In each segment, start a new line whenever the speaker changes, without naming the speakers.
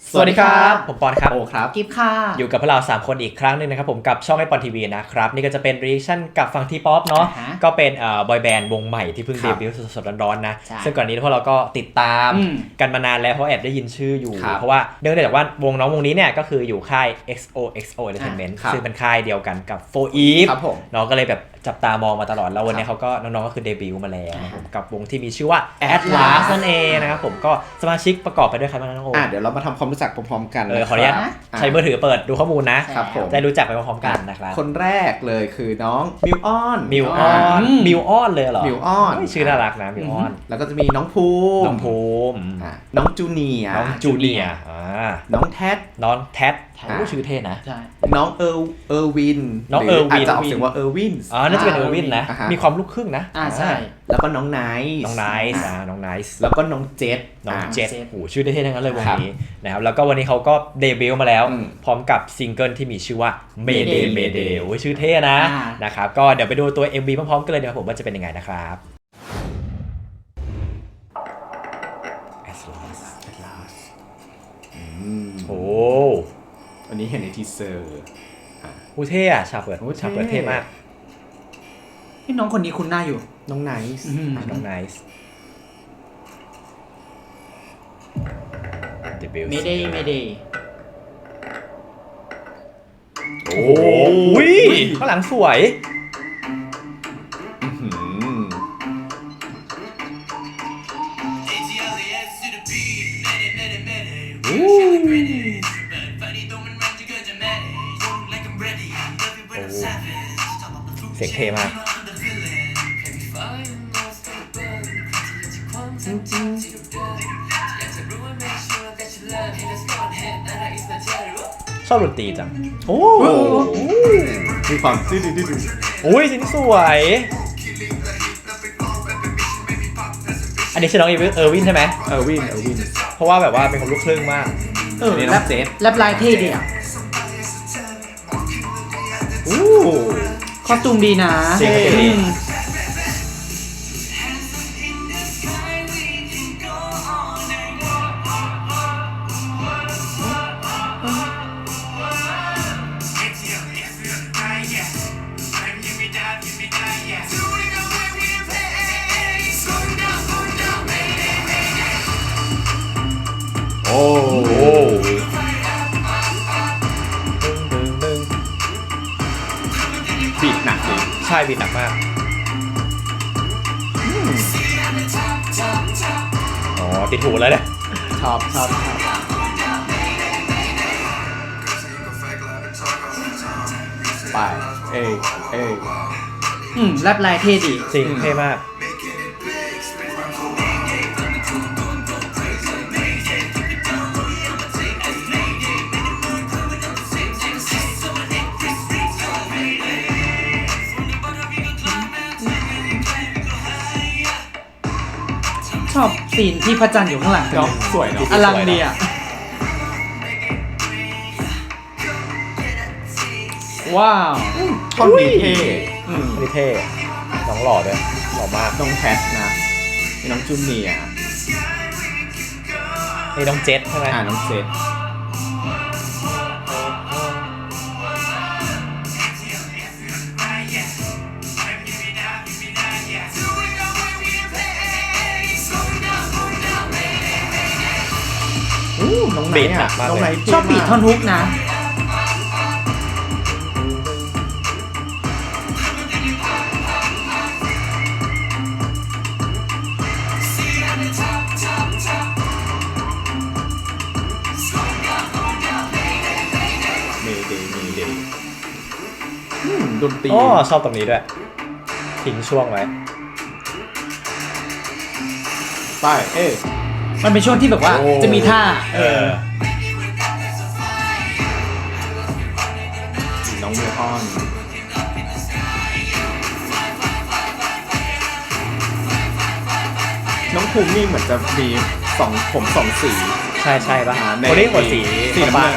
สวัสดีครับผมปอนครับ
โอครับ
กิฟค่ะ
อยู่กับพวกเรา3คนอีกครั้งนึงนะครับผมกับช่องไอปอนทีวีนะครับนี่ก็จะเป็นรีแอคชั่นกับฝั่งทีป๊อปเนาะก็เป็นบอยแบนด์วงใหม่ที่เพิ่งเดบิวต์สดๆร้อนๆนะซึ่งก่อนนี้พวกเราก็ติดตามกันมานานแล้วเพราะแอบได้ยินชื่ออยู่เพราะว่าเนื่องจากว่าวงน้องวงนี้เนี่ยก็คืออยู่ค่าย XOXO Entertainment ซึ่งเป็นค่ายเดียวกันกับ4 Eve เนาะก็เลยแบบจับตามองมาตลอดแล้ววันนี้เขาก็น้องๆก็คือเดบิวต์มาแล้วกับวงที่มีชื่อว่า Atlas นั่นเองนะครับผมก็สมาชิกประกอบไปด้วยใครบ้างน้องโอ
เดี๋ยวเรามาทำความรู้จักพร้อมๆกัน
ขออนุญาตใช้มือถือเปิดดูข้อมูลนะครับผมจะรู้จักไปพร้อมๆกันนะครับ
คนแรกเลยคือน้องมิวออน
เลยเหรอ
มิวออน
ชื่อน่ารักนะมิวออน
แล้วก็จะมีน้องภูมิ
น้
องจูเนียน้องแท็ด
ชื่อเท่นะ
น้องเออร์วินอาจจะออกเสียงว่าเออร์วิน
น่าจะเป็นเออร์วินนะมีความลูกครึ่งนะ
ใช่
แล้วก็น้องไนซ์แล้วก็น้องเจษ
โอ้ชื่อเท่ๆทั้งนั้นเลยวงนี้นะครับแล้วก็วันนี้เขาก็เดบิวต์มาแล้วพร้อมกับซิงเกิลที่มีชื่อว่า Mayday โอ้ชื่อเท่นะครับก็เดี๋ยวไปดูตัว MV พร้อมๆกันเลยนะครับผมว่าจะเป็นยังไงนะครับโอ้
อันนี้เห็นในทีเซอร์
เท่อะฉากเปิดเท่มาก
พี่น้องคนนี้คุ้นหน้าอยู่
น้องไนซ์
ไม่ได้
โอ้ยข้างหลังสวยเสียงเท่มากชอบดนตรีจัง
มีความดื้อ
โอ้ยสิ่งสวยอันนี้ชื่อน้องเออร์วินใช่ไหม
เออร์วิน
เพราะว่าแบบว่าเป็นคนลูกครึ่งมาก
นี่น้องเจษ
แรปลายเท่ดีอ่ะคอสตูมดีนะ
บีทหนักเลย
ใช่บีทหนักมากติดหูแล้วเนี่ย
ชอบไป
แรปลายเท่ดี
จริงเท่มาก
ชอบซีนที่พระจันทร์อยู่ข้างหลัง
สวยเนาะ
อลังดีอ่ะว้าว
ท่อนนี้
เท่น้องหล่อด้วยหล่อมาก
น้องแพทนะน้องจูเนีย
น้องเจษใช่ไหม
น้องเจษน้องไนท์น้องไนท์
ชอบบีทท่อนฮุกนะ
ดนตรี
ชอบตรงนี้ด้วยทิ้งช่วงไว้
ไป
มันเป็นช่วงที่แบบว่าจะมีท่า
น้องมิวออนน้องภูมินี่เหมือนจะมีผมสองสี
ใช่ป่ะคนนี้หมดสี
น้ำตาล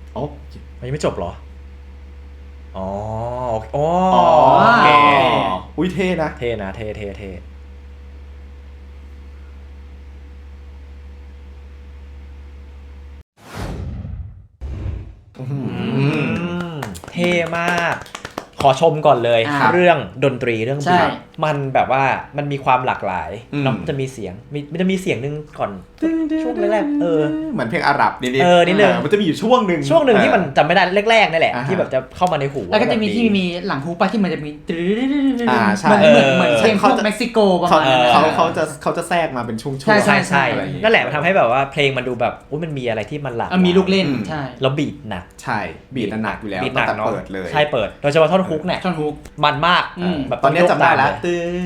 อ๋อ
มันยังไม่จบเหรออ๋อโอเค
อุ้ยเท่นะ
เท่นะเท่เท่มากขอชมก่อนเลยเรื่องดนตรีเรื่องบีทมันแบบว่ามันมีความหลากหลายเนาะจะมีเสียงมันจะมีเสียงนึงก่อนช่วงแรก
เหมือนเพลงอาหรับนิด
นิดนึง
มันจะมีอยู่ช่วงหนึ่ง
ที่มันจำไม่ได้แรกๆนั่นแหละที่แบบจะเข้ามาในหู
แล้วก็จะมีที่มีหลังฮูปะที่มันจะมี
ใช่
เหมือนเพลงพวกเม็กซิโกประมาณนั้น
เขาจะแทรกมาเป็นช่วงๆ
ใช่นั่นแหละมันทำให้แบบว่าเพลงมันดูแบบมันมีอะไรที่มันหลาก
มีลูกเล่นใช่
แล้วบีทหนัก
ใช่บีทหนักอยู่แล้ว
ตั้งแต่
เปิดเลย
ใช่เปิดโดยเฉพาะท่อนฮุกเนี่ย
ท่อนฮุก
มันมาก
แบบตอนนี้จำได้แล้ว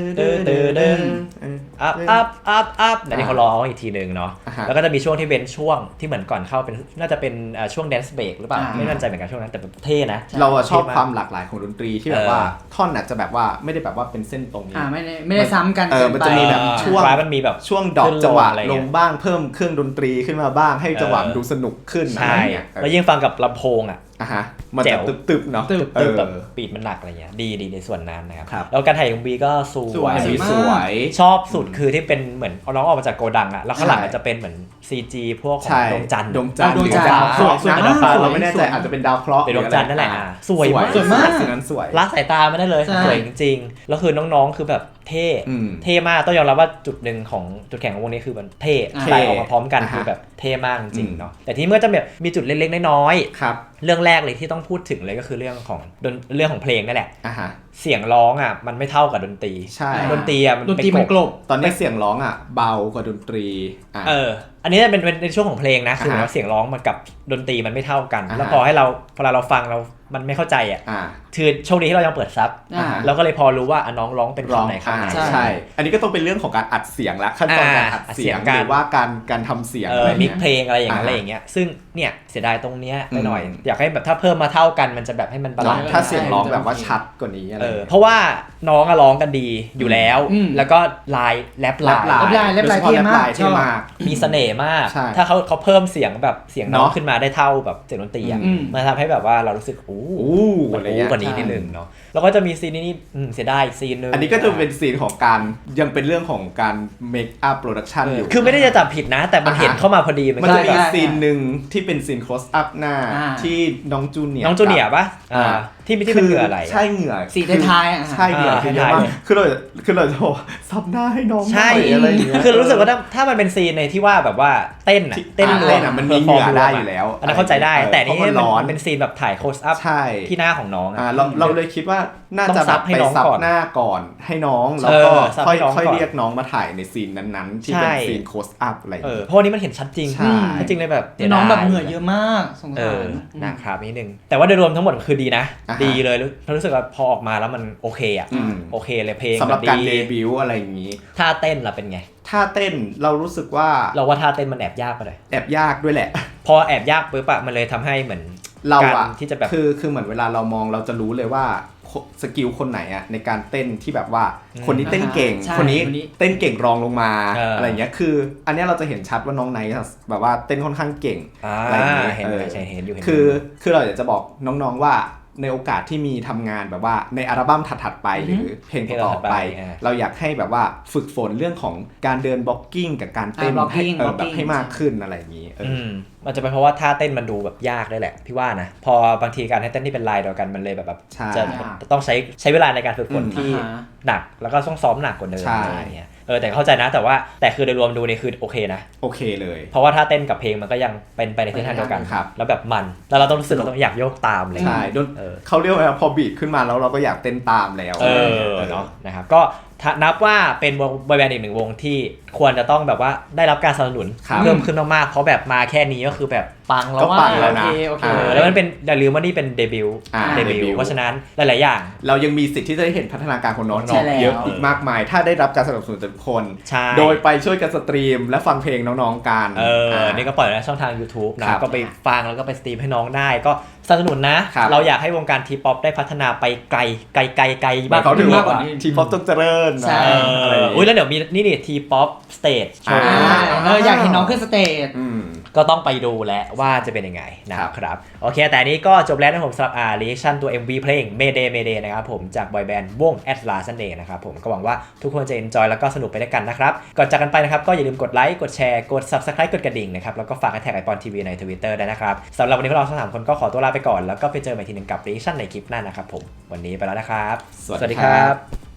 อัพแต่นี่เขาร้องอีกทีนึงเนาะแล้วก็จะมีช่วงที่เป็นช่วงที่เหมือนก่อนเข้าเป็นน่าจะเป็นช่วงแดนซ์เบรกหรือเปล่าไม่แน่ใจเหมือนกันช่วงนั้นแต่เท่นะ
เราชอบความหลากหลายของดนตรีที่แบบว่าท่อนอาจจะแบบว่าไม่ได้แบบว่าเป็นเส้นตรงนี้
ไม่ได้ซ้ำกัน
มันจะมีแบบช่วง
มันมีแบบ
ช่วงดอกจังหวะลงบ้างเพิ่มเครื่องดนตรีขึ้นมาบ้างให้จังหวะดูสนุกขึ้น
ใช่แล้วยิ่งฟังกับลำโพง
มันจะตึบๆเนาะ
ตึบแบบปีดมันหนักอะไรเงี้ยดีในส่วนนั้นนะครับแล้วการถ่ายของบีก็สวยชอบสุดคือที่เป็นเหมือนน้องออกมาจากโกดังอะแล้วข้างหลังจะเป็นเหมือน CG พวกของดวงจันทร์
สวยเราไม่แน่ใจอาจจะเป็นดาวเคราะห์
เป็นดวงจันทร์นั่นแหละสวยมาก
สิ่งนั้นสวย
ละสายตาไม่ได้เลยสวยจริงๆแล้วคือน้องๆคือแบบเท่มากต้องยอมรับว่าจุดหนึ่งของจุดแข็งของวงนี้คือมันเท่ไล่ออกมาพร้อมกันคือแบบเท่มากจริงเนาะแต่ที่เมื่อจะแบบมีจุดเล็กๆน้อยๆเรื่องแรกเลยที่ต้องพูดถึงเลยก็คือเรื่องของเพลงนั่นแหละเสียงร้องมันไม่เท่ากับดนตรี
ใช่
ดนตรี
มันกลบ
ตอนนี้เสียงร้องเบากว่าดนตรี
อันนี้เป็นในช่วงของเพลงนะคือว่าเสียงร้องมันกับดนตรีมันไม่เท่ากันแล้วพอเราฟังมันไม่เข้าใจคือโชคดีที่เรายังเปิดซับเราก็เลยพอรู้ว่าน้องร้องเป็นคำไหนคำไหน
ใช่อันนี้ก็ต้องเป็นเรื่องของการอัดเสียงละขั้นตอนการอัดเสียงหรือว่าการทำเสียง
มิกเพลงอะไรอย่างเงี้ยซึ่งเนี่ยเสียดายตรงเนี้ยไปหน่อยอยากให้แบบถ้าเพิ่มมาเท่ากันมันจะแบบให้มันบาลานซ์
ถ้าเสียงร้องแบบว่าชัดกว่านี้
เพราะว่าน้องร้องกันดีอยู่แล้วแล้วก็ลายแรปลาย
เท่มาก
มีเสน่ห์มากถ้าเขาเพิ่มเสียงแบบเสียงน้องขึ้นมาได้เท่าแบบเสียงดนตรีมันทำให้แบบว่าเรารู้สึกมันกว่านี้นิดนึงเนาะแล้วก็จะมีซีนนี้เสียดายซีนนึง
อันนี้ก็จะเป็นซีนของการยังเป็นเรื่องของการเมคอัพโปรดักชันอยู่
คือไม่ได้จะจับผิดนะแต่มันเห็นเข้ามาพอดี
มันจะมีซีนนึงที่เป็นซีน close up หน้าที่น้องจูเนียร์
ป่ะที่เป็นเหงื่ออะไร
ใช่เหงื่อ
สีท้าย
ใช่เหงื่อเยอะมากคือเราจะบอกซับหน้าให้น้อง
ใช่อะไรอย่างเงี้ยคือรู้สึกว่าถ้ามันเป็นซีนในที่ว่าแบบว่าเต้น
มันมีเหงื่อได้อยู่แล้ว
อันนั้นเข้าใจได้แต่นี่มันเป็นซีนแบบถ่าย close up ที่หน้าของน้อง
เราเลยคิดว่าน่าจะแบบไปซับหน้าก่อนให้น้องแล้วก็ค่อยเรียกน้องมาถ่ายในซีนนั้นๆที่เป็นซีน close up อะไร
เพราะนี้มันเห็นชัดจริงจริงเลยแบบ
น้องแบบเหงื่อเยอะมากสงสาร
นะครับนิดนึงแต่ว่าโดยรวมทั้งหมดคือดีนะดีเลยรู้สึกว่าพอออกมาแล้วมันโอเคโอเคเลยเพลง
สำหรับการเดบิวต์อะไรอย่างนี้
ท่าเต้นล่ะเป็นไง
ท่าเต้นเรารู้สึกว่า
ท่าเต้นมันแอบยากไปเลย
แอบยากด้วยแหละ
พอแอบยากปุ๊บมันเลยทำให้เหมือน
เรา
ที่จะแบบ
คือเหมือนเวลาเรามองเราจะรู้เลยว่าสกิลคนไหนในการเต้นที่แบบว่าคนนี้เต้นเก่งคนนี้เต้นเก่งรองลงมาอะไรอย่างเงี้ยคืออันนี้เราจะเห็นชัดว่าน้องไนท์แบบว่าเต้นค่อนข้างเก่ง
อะไรอย่างเงี้ยเห็นอยู่
คือเราอยากจะบอกน้องๆว่าในโอกาสที่มีทำงานแบบว่าในอัลบั้มถัดๆไปหรือเพลงต่อไปเราอยากให้แบบว่าฝึกฝนเรื่องของการเดินบล็อกกิ้งกับการเต้นให้มากขึ้นอะไรอย่างนี้
มันจะเป็นเพราะว่าท่าเต้นมันดูแบบยากได้แหละพี่ว่านะพอบางทีการให้เต้นที่เป็นลายเดียวกันมันเลยแบบจะต้องใช้เวลาในการฝึกฝนที่หนักแล้วก็ต้องซ้อมหนักกว่าเดิมอะไรอย่างเงี้ยแต่เข้าใจนะแต่คือโดยรวมดูนี่คือโอเคนะ
โอเคเลย
เพราะว่าถ้าเต้นกับเพลงมันก็ยังเป็นไปในทิศทางเดียวกันแล้วแบบมันแล้วเราต้องรู้สึกเราต้องอยากโยกตามเลย
ใช่เขาเรียกว่าพอบีทขึ้นมาแล้วเราก็อยากเต้นตามแล้ว
เนาะนะครับก็นับว่าเป็นวงบอยแบนด์อีกหนึ่งวงที่ควรจะต้องแบบว่าได้รับการสนับสนุนเพิ่มขึ้นมากๆเพราะแบบมาแค่นี้ก็คือแบบปังแล้วว่าโอเคแล้วมันเป็นอย่าลืมว่านี่เป็นเดบิวต์เพราะฉะนั้นหลายๆอย่าง
เรายังมีสิทธิ์ที่จะได้เห็นพัฒนาการของน้องเยอะอีกมากมายถ้าได้รับการสนับสนุนจากทุกคนโดยไปช่วยกันสตรีมและฟังเพลงน้องๆกัน
นี่ก็ปล่อยในช่องทาง YouTube นะก็ไปฟังแล้วก็ไปสตรีมให้น้องได้ก็สนับสนุนนะเราอยากให้วงการทีป๊อปได้พัฒนาไปไกลมากขึ้นมากกว่านี้
ทีป๊อปต้องเจริญ
ใช่แล้วเดี๋ยวมีนี่ทีป๊อปสเตจโชว์
อยากเห็นน้องขึ้นสเตจ
ก็ต้องไปดูแลว่าจะเป็นยังไงนะครับโอเคแต่นี้ก็จบแล้วนะผมสำหรับreaction ตัว MV เพลง Mayday Mayday นะครับผมจากบอยแบนด์วง Atlas นั่นเองนะครับผมก็หวังว่าทุกคนจะ enjoy แล้วก็สนุกไปด้วยกันนะครับก่อนจากกันไปนะครับก็อย่าลืมกดไลค์กดแชร์กด Subscribe กดกระดิ่งนะครับแล้วก็ฝากแท็กไอปอนทีวีใน Twitter ได้นะครับสำหรับวันนี้พวกเราทั้ง3คนก็ขอตัวลาไปก่อนแล้วก็ไปเจอกันอีกทีนึงกับ reaction ในคลิปหน้านะครับผมวันนี้ไปแล้วนะครับ
สวัสดีครับ